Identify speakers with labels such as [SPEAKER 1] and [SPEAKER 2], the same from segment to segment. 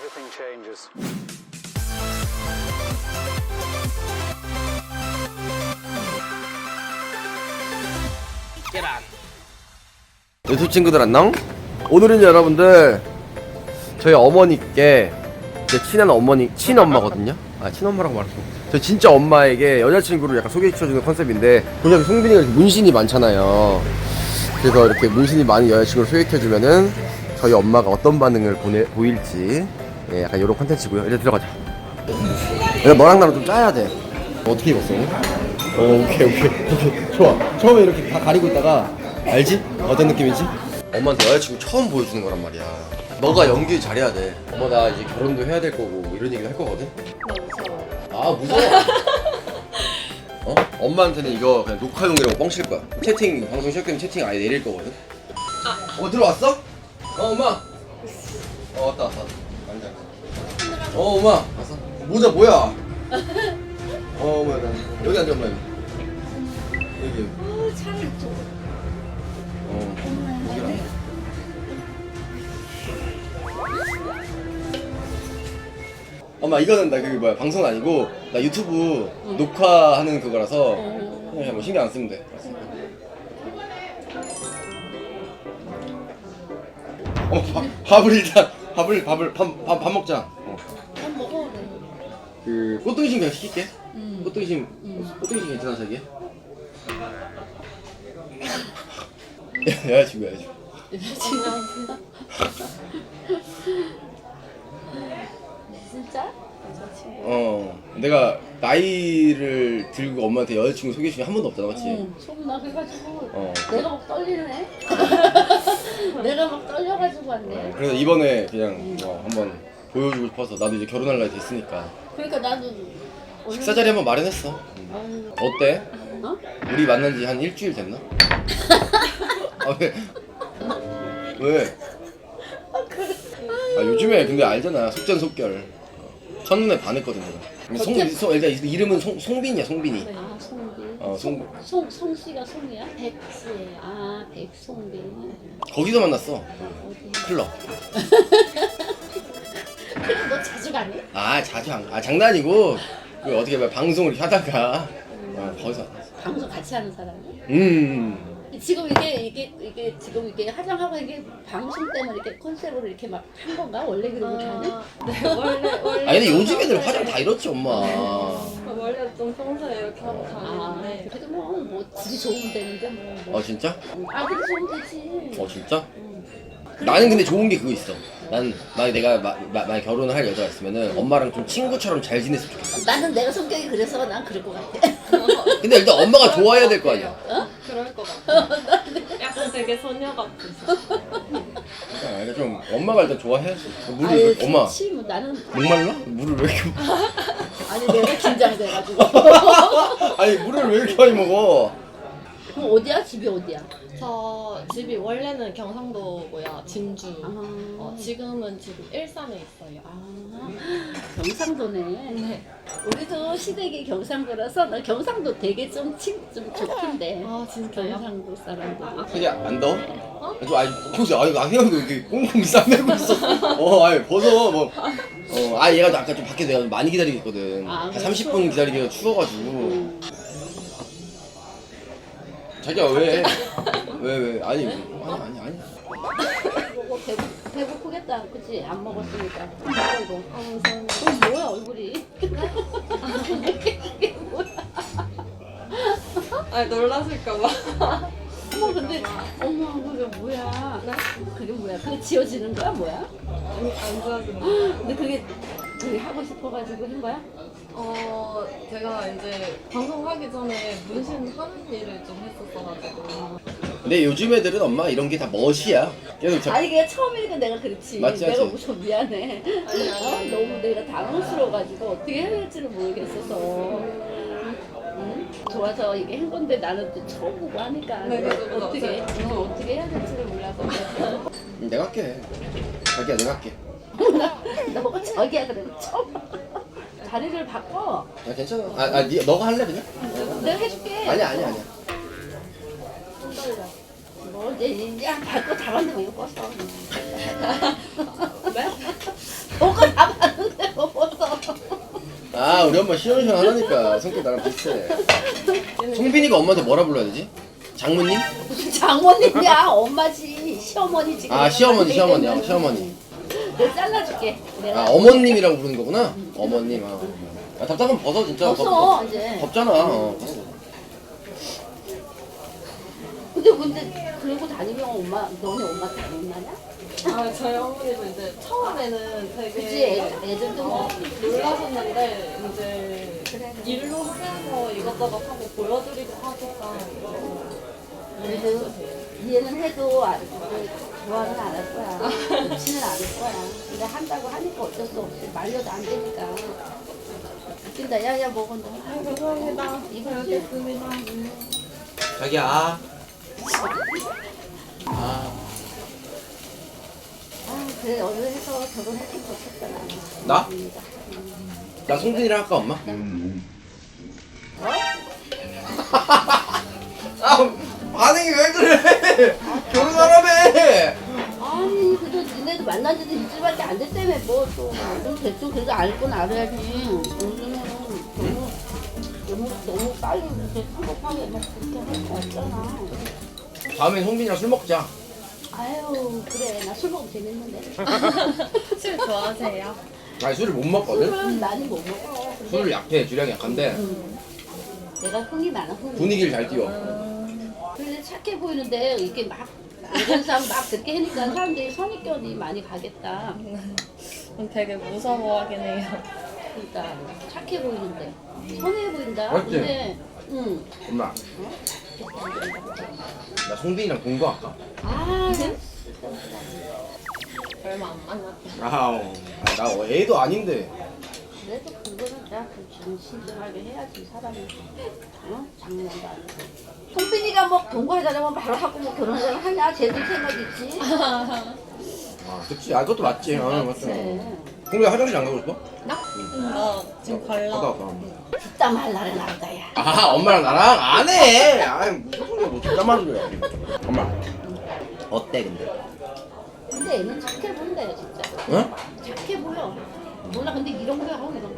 [SPEAKER 1] everything changes.
[SPEAKER 2] 유튜브 친구들 안녕? 오늘은 여러분들 저희 어머니께 제 친한 어머니 친엄마거든요. 아 친엄마라고 말했어. 저 진짜 엄마에게 여자친구를 약간 소개시켜주는 컨셉인데, 보면 송빈이가 이렇게 문신이 많잖아요. 그래서 이렇게 문신이 많은 여자친구를 소개시켜주면은 저희 엄마가 어떤 반응을 보일지, 예, 약간 이런 컨텐츠고요. 이제 들어가자. 내가 너랑 나랑 좀 짜야 돼. 어떻게 입었어? 오케이. 좋아. 처음에 이렇게 다 가리고 있다가 알지? 어떤 느낌이지? 엄마한테 여자친구 처음 보여주는 거란 말이야. 너가 연기 잘해야 돼. 엄마 나 이제 결혼도 해야 될 거고 뭐 이런 얘기도 할 거거든?
[SPEAKER 3] 나 무서워.
[SPEAKER 2] 아 무서워? 어? 엄마한테는 이거 그냥 녹화용이라고 뻥칠 거야. 채팅, 방송 시작되면 채팅 아예 내릴 거거든? 들어왔어? 엄마! 왔다 앉아. 엄마! 왔어? 모자 뭐야? 뭐야 나 여기 앉아 엄마 여기
[SPEAKER 3] 차를 좀.
[SPEAKER 2] 여기라. 엄마 이거는 나 그 뭐야 방송 아니고 나 유튜브 녹화하는 그거라서 그냥 뭐 신경 안 쓰면 돼. 밥을 일단 밥 먹자.
[SPEAKER 3] 밥 먹어.
[SPEAKER 2] 그 꽃등심 그냥 시킬게. 꽃등심 괜찮아 자기? 여자친구.
[SPEAKER 3] 진짜?
[SPEAKER 2] 내가 나이를 들고 엄마한테 여자친구 소개시킨 한 번도 없잖아, 맞지?
[SPEAKER 3] 소문나 그래가지고
[SPEAKER 2] 어.
[SPEAKER 3] 내가 막 떨리네. 내가 막 떨려가지고 왔네.
[SPEAKER 2] 그래서 이번에 그냥 한번 보여주고 싶어서 나도 이제 결혼할 나이 됐으니까
[SPEAKER 3] 그러니까 나도
[SPEAKER 2] 식사 자리 한번 마련했어. 어때?
[SPEAKER 3] 어?
[SPEAKER 2] 우리 만난 지 한 일주일 됐나? 아 왜? 왜? 아 요즘에 근데 알잖아 속전속결. 첫눈에 반했거든 내가. 일단 이름은 송빈이야 송빈이.
[SPEAKER 3] 아 송빈.
[SPEAKER 2] 송빈.
[SPEAKER 3] 송씨가 송이야? 백씨. 아 백송빈.
[SPEAKER 2] 거기서 만났어.
[SPEAKER 3] 어디?
[SPEAKER 2] 클럽.
[SPEAKER 3] 그래 너 자주 가니?
[SPEAKER 2] 아 자주 장난이고 그 어떻게 봐 방송을 이렇게 하다가 거기서 만났어.
[SPEAKER 3] 방송 같이 하는 사람이? 지금 이게 지금 이게 화장하고 이게 방송 때문에 이렇게 컨셉으로 이렇게 막 한 건가? 원래 그렇게 하니?
[SPEAKER 4] 네, 원래.
[SPEAKER 2] 아니 근데 요즘 애들 화장 다 이렇지 엄마.
[SPEAKER 4] 원래 좀 평소에 이렇게 하고
[SPEAKER 3] 아,
[SPEAKER 4] 다니는데.
[SPEAKER 3] 그래도 뭐 집이 좋으면 되는데 뭐.
[SPEAKER 2] 진짜?
[SPEAKER 3] 아들이 좋으면 되지.
[SPEAKER 2] 진짜? 나는 근데 좋은 게 그거 있어. 만약 내가 만약 결혼을 할 여자가 있으면은 엄마랑 좀 친구처럼 잘 지냈으면 좋겠어.
[SPEAKER 3] 나는 내가 성격이 그래서 난 그럴 것 같아.
[SPEAKER 2] 근데 일단 엄마가 좋아해야 될 거 아니야.
[SPEAKER 4] 그럴 것 같아. 약간 되게 소녀 같으셔.
[SPEAKER 2] 그러니까 좀 엄마가 일단 좋아해야지. 물을
[SPEAKER 3] 아유,
[SPEAKER 2] 왜, 엄마
[SPEAKER 3] 그렇지, 뭐 나는
[SPEAKER 2] 목말라? 물을 왜 이렇게
[SPEAKER 3] 아니 내가 긴장돼가지고.
[SPEAKER 2] 아니 물을 왜 이렇게 많이 먹어?
[SPEAKER 3] 그럼 어디야? 집이 어디야?
[SPEAKER 4] 저 집이 원래는 경상도고요. 진주.
[SPEAKER 3] 아,
[SPEAKER 4] 지금은 지금 일산에 있어요.
[SPEAKER 3] 경상도네.
[SPEAKER 4] 네.
[SPEAKER 3] 우리도 시댁이 경상도라서 나 경상도 되게 좀 좋던데.
[SPEAKER 4] 아 진짜요?
[SPEAKER 3] 경상도 사람들이.
[SPEAKER 2] 자기 안 더워? 아니 혹시 안경도 이렇게 꽁꽁 싸매고 있어. 아니 벗어 뭐. 얘가 아까 좀 밖에 내가 많이 기다리고 있거든.
[SPEAKER 3] 아,
[SPEAKER 2] 한
[SPEAKER 3] 그래,
[SPEAKER 2] 30분 기다리기가 추워가지고. 자기야 왜? 아니.
[SPEAKER 3] 먹어 배고프겠다, 그치? 안 먹었으니까. 먹어 이거. 그럼 뭐야 얼굴이? 이게 뭐야?
[SPEAKER 4] 아 놀라실까봐.
[SPEAKER 3] 어머 근데 어머 그게 뭐야? 그게 뭐야? 그게 지워지는 거야 뭐야?
[SPEAKER 4] 안 좋아지는.
[SPEAKER 3] 근데 그게 하고 싶어가지고 한 거야?
[SPEAKER 4] 제가 이제 방송하기 전에 문신 하는 일을 좀 했었어가지고.
[SPEAKER 2] 근데 요즘 애들은 엄마 이런 게 다 멋이야. 계속
[SPEAKER 3] 아니 그게 처음이니까 내가 그렇지.
[SPEAKER 2] 맞지,
[SPEAKER 3] 내가
[SPEAKER 2] 맞지.
[SPEAKER 3] 좀 미안해.
[SPEAKER 4] 아니.
[SPEAKER 3] 너무 내가 당황스러워가지고 어떻게 해야 될지를 모르겠어서. 응? 좋아서 이게 한 건데 나는 또 처음 보고 하니까
[SPEAKER 4] 네, 그죠.
[SPEAKER 3] 어떻게 해야 될지를 몰라서.
[SPEAKER 2] 내가 할게. 자기야 내가 할게.
[SPEAKER 3] 너가 저기야 그래 처음. 자리를 바꿔.
[SPEAKER 2] 괜찮아. 너가 할래 그냥?
[SPEAKER 3] 내가 해줄게.
[SPEAKER 2] 아니야.
[SPEAKER 3] 뭐 이제 바꿔 다 만들고 이거 껐어.
[SPEAKER 4] 네?
[SPEAKER 3] 저거 다 봤는데 못 봤어.
[SPEAKER 2] 아 우리 엄마 시원시원하다니까 성격 나랑 비슷해. 송빈이가 엄마한테 뭐라 불러야 되지? 장모님?
[SPEAKER 3] 무슨 장모님이야? 엄마지. 시어머니 지금.
[SPEAKER 2] 아 시어머니 시어머니.
[SPEAKER 3] 내가 잘라줄게. 내가.
[SPEAKER 2] 아 어머님이라고 부르는 거구나? 어머님 아 답답하면 벗어 진짜.
[SPEAKER 3] 없어 이제.
[SPEAKER 2] 덥잖아.
[SPEAKER 3] 근데 그러고 다니면 엄마 너네 엄마한테 안 혼나냐?
[SPEAKER 4] 아 저희 어머니도 이제 처음에는 되게
[SPEAKER 3] 그치 애들도 뭐
[SPEAKER 4] 놀라셨는데 이제
[SPEAKER 3] 그래.
[SPEAKER 4] 일로 하면서 이것저것 하고 보여드리고 하니까
[SPEAKER 3] 그래도 이해는 해도 좋아는 안 할 거야. 좋지는 않을 거야. 근데 한다고 하니까 어쩔 수 없이 말려도 안 되니까. 웃긴다. 야야 먹어 너.
[SPEAKER 4] 감사합니다.
[SPEAKER 3] 이거
[SPEAKER 4] 잘 먹겠습니다.
[SPEAKER 2] 자기야.
[SPEAKER 3] 아 그래 얼른 해서 결혼했으면 좋겠다 나는.
[SPEAKER 2] 나? 나 송빈이랑 할까 엄마? 아 반응이 왜 그래? 결혼하라며.
[SPEAKER 3] 아니 그래도 니네도 만난 지도 일주일밖에 안 됐다며 뭐또 대충 그래도 알건 알아야지. 요즘에는 너무 빨리 이렇게 성급하게 막 그렇게 할 거 없잖아.
[SPEAKER 2] 다음엔 송빈이랑 술 먹자.
[SPEAKER 3] 아유 그래 나 술 먹으면 재밌는데.
[SPEAKER 4] 술 좋아하세요?
[SPEAKER 2] 아니 술을 못 먹거든?
[SPEAKER 3] 술은 많이 못 먹어. 근데
[SPEAKER 2] 술을 약해 주량이 약한데
[SPEAKER 3] 내가 흥이 많아 흥이.
[SPEAKER 2] 분위기를 잘 띄워.
[SPEAKER 3] 근데 착해 보이는데 이렇게 막 이런 사람 막 그렇게 하니까 사람들이 선입견이 많이 가겠다.
[SPEAKER 4] 되게 무서워하긴 해요.
[SPEAKER 3] 그러니까 착해 보이는데 선해 보인다.
[SPEAKER 2] 맞지?
[SPEAKER 3] 근데
[SPEAKER 2] 엄마 나 송빈이랑 공부할까?
[SPEAKER 3] 아
[SPEAKER 4] 얼마 안 만났죠.
[SPEAKER 2] 아우 나 애도 아닌데.
[SPEAKER 3] 그래도 그거는 내가 좀 신중하게 해야지 사람이. 어? 장난도 아니고. 송빈이가 뭐 동거하자면 바로 하고 뭐 결혼하자면 하냐? 쟤들 생각 있지.
[SPEAKER 2] 아 그치. 아 그것도 맞지. 아 맞지.
[SPEAKER 3] 그래.
[SPEAKER 2] 송빈이 화장실 안 가고 싶어?
[SPEAKER 4] 나 지금
[SPEAKER 2] 갔다
[SPEAKER 4] 갈라.
[SPEAKER 2] 왔다.
[SPEAKER 3] 뒷담 할 날은 남자야.
[SPEAKER 2] 아 엄마랑 나랑 안 해. 아이 무슨 소리야 뭐 진짜 많은 거야. 엄마 어때 근데?
[SPEAKER 3] 근데 애는 착해 보인다 진짜.
[SPEAKER 2] 응?
[SPEAKER 3] 착해 보여. 몰라 근데 이런 거야 하고 이런 거.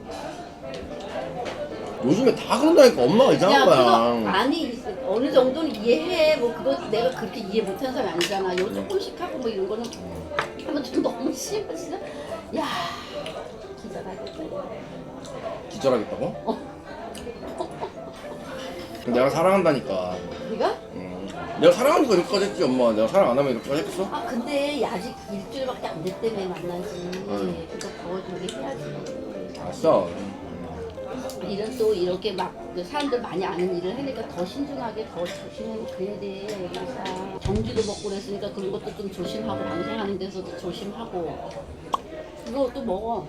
[SPEAKER 2] 요즘에 다 그런다니까 엄마가 이상한
[SPEAKER 3] 그거
[SPEAKER 2] 거야.
[SPEAKER 3] 아니 어느 정도는 이해해. 뭐 그거 내가 그렇게 이해 못하는 사람이 아니잖아. 요 조금씩 하고 뭐 이런 거는 하면 좀 너무 심해 진짜. 야 기절하겠다.
[SPEAKER 2] 기절하겠다고?
[SPEAKER 3] 어.
[SPEAKER 2] 내가 사랑한다니까.
[SPEAKER 3] 네가?
[SPEAKER 2] 내가 사랑하니까 이렇게까지 했지 엄마. 내가 사랑 안 하면 이렇게까지 했겠어?
[SPEAKER 3] 아 근데 아직 일주일밖에 안 됐다며 만나지. 그러니까 더 저기 해야지.
[SPEAKER 2] 알았어.
[SPEAKER 3] 일은 또 이렇게 막 사람들 많이 아는 일을 하니까 더 신중하게 더 조심하고 그래야 돼. 그러니까 정지도 먹고 그랬으니까 그런 것도 좀 조심하고 방송하는 데서도 조심하고. 이거 또 먹어.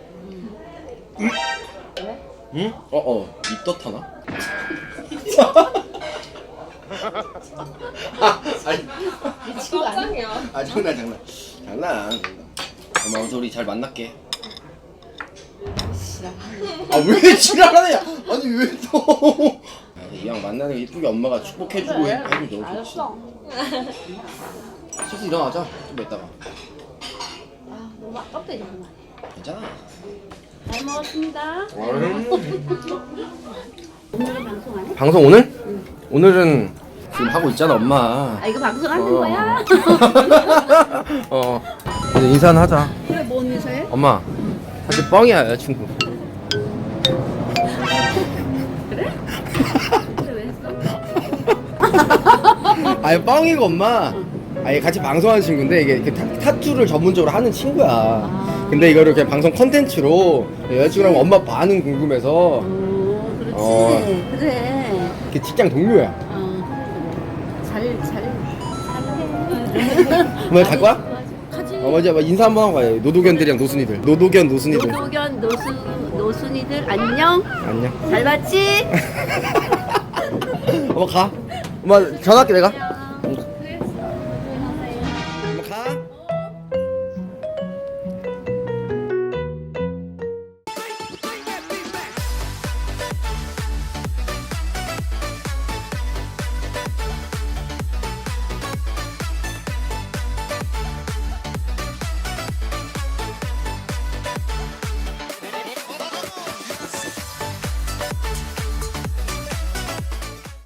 [SPEAKER 3] 왜?
[SPEAKER 2] 응? 입덧하나? 아니,
[SPEAKER 3] 이 친구 아니야?
[SPEAKER 4] 깜짝이야.
[SPEAKER 2] 아 장난. 엄마 아무튼 우리 잘 만날게. 아 왜 지랄하냐? 아니 왜 또? 이왕 만나는 거 이쁘게 엄마가 축복해주고
[SPEAKER 3] 그래.
[SPEAKER 2] 해주면 너무 좋지.
[SPEAKER 3] 알았어.
[SPEAKER 2] 슬슬 일어나자. 좀 이따가.
[SPEAKER 3] 아 너무 아깝다 이런 거.
[SPEAKER 2] 괜찮아.
[SPEAKER 3] 잘 먹었습니다. 오늘은 방송 안 해?
[SPEAKER 2] 방송 오늘? 오늘은 지금 하고 있잖아 엄마.
[SPEAKER 3] 아 이거 방송하는 거야?
[SPEAKER 2] 이제 인사는 하자.
[SPEAKER 3] 그래 뭔 인사해?
[SPEAKER 2] 엄마 사실 뻥이야 여자친구.
[SPEAKER 3] 그래? 그래 왜 했어?
[SPEAKER 2] 아니 뻥이고 엄마. 아니 같이 방송하는 친구인데 이게 이렇게 타투를 전문적으로 하는 친구야. 근데 이거를 그냥 방송 컨텐츠로 여자친구랑 엄마 아빠 반응 궁금해서
[SPEAKER 3] 그렇지. 그래.
[SPEAKER 2] 이렇게 직장 동료야.
[SPEAKER 3] 잘해.
[SPEAKER 2] 오늘 갈 거야?
[SPEAKER 3] 가지.
[SPEAKER 2] 맞아. 인사 한번 하고 가요. 노도견들이랑 노순이들. 노도견 노순이들.
[SPEAKER 3] 노도견 노순이들 안녕.
[SPEAKER 2] 안녕.
[SPEAKER 3] 잘 봤지?
[SPEAKER 2] 엄마 가. 엄마 전화할게 내가.